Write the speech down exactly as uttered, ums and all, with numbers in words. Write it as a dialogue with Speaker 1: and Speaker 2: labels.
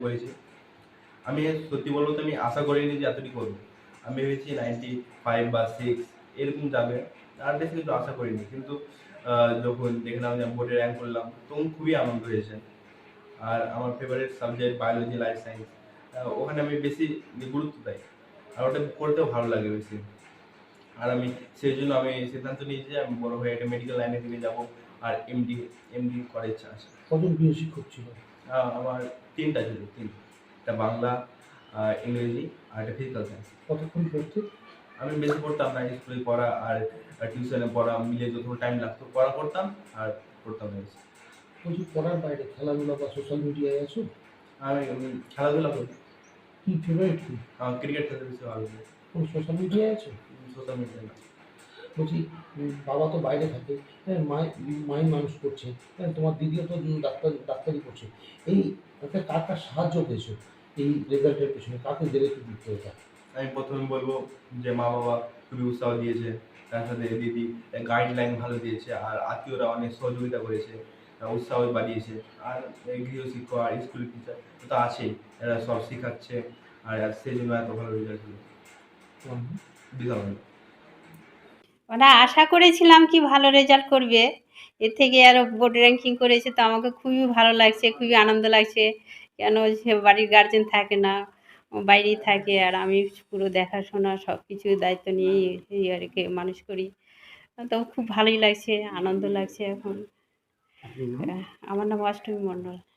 Speaker 1: করেছি। আমি সত্যি বলবো তো আমি আশা করিনি যে এতটুকু করবো। আমি ভেবেছি নাইনটি ফাইভ বা সিক্স এরকম যাবে, আর বেশি কিন্তু আশা করিনি। কিন্তু যখন দেখলাম যে আমি বোর্ডে র্যাঙ্ক করলাম তখন খুবই আনন্দ হয়েছে। আর আমার favourite subject biology, life science, ওখানে আমি বেশি গুরুত্ব দেই, আর ওটা করতেও ভালো লাগে বেশি। আর আমি সেই জন্য আমি সিদ্ধান্ত নিয়েছি যে আমি বড় হয়ে একটা মেডিকেল লাইনের দিকে যাবো, আর এমডি এমডি করার ইচ্ছা আছে।
Speaker 2: কজন প্রিয় শিক্ষক ছিল?
Speaker 1: আমার তিনটা ছিল, তিন একটা বাংলা, ইংরেজি আর একটা ফিজিক্যাল সায়েন্স।
Speaker 2: কতক্ষণ পড়তে?
Speaker 1: আমি বেশি পড়তাম না, স্কুলে পড়া আর টিউশনে পড়া মিলে যত টাইম লাগতো পড়া করতাম আর পড়তাম না বেশি।
Speaker 2: বলছি পড়ার বাইরে খেলাধুলা বা সোশ্যাল মিডিয়ায় আছো?
Speaker 1: আমি খেলাধুলা করি।
Speaker 2: কি ফেভারিট কি?
Speaker 1: আমার ক্রিকেট খেলতে বেশি ভালো লাগে।
Speaker 2: কোন সোশ্যাল মিডিয়ায় আছো?
Speaker 1: সোশ্যাল মিডিয়া না।
Speaker 2: বলছি বাবা তো বাইরে থাকে, হ্যাঁ, মাই মাই মানুষ করছে, হ্যাঁ, তোমার দিদিও তো ডাক্তার ডাক্তারি করছে। এই একটা কার কার সাহায্য পেয়েছো এই রেজাল্টের পেছনে? কাকে গেলে একটু দিতে এটা?
Speaker 1: আমি প্রথমে বলবো যে মা বাবা খুবই উৎসাহ দিয়েছে, তার সাথে দিদি গাইডলাইন ভালো দিয়েছে, আর আত্মীয়রা অনেক সহযোগিতা করেছে, উৎসাহ বাড়িয়েছে। আর গৃহশিক্ষক আর স্কুল টিচার তো আছেই, এরা সব শেখাচ্ছে, আর সেই জন্য এত ভালো রেজাল্ট হলো। বিশাল।
Speaker 3: মানে আশা করেছিলাম কি ভালো রেজাল্ট করবে, এর থেকে আরও বোর্ড র্যাঙ্কিং করেছে, তো আমাকে খুবই ভালো লাগছে, খুবই আনন্দ লাগছে। কেন সে বাড়ির গার্জেন থাকে না, বাইরেই থাকে, আর আমি পুরো দেখাশোনা সব কিছু দায়িত্ব নিয়েই এই আর কি মানুষ করি। তো খুব ভালোই লাগছে, আনন্দ লাগছে এখন। আমার নাম অষ্টমী মণ্ডল।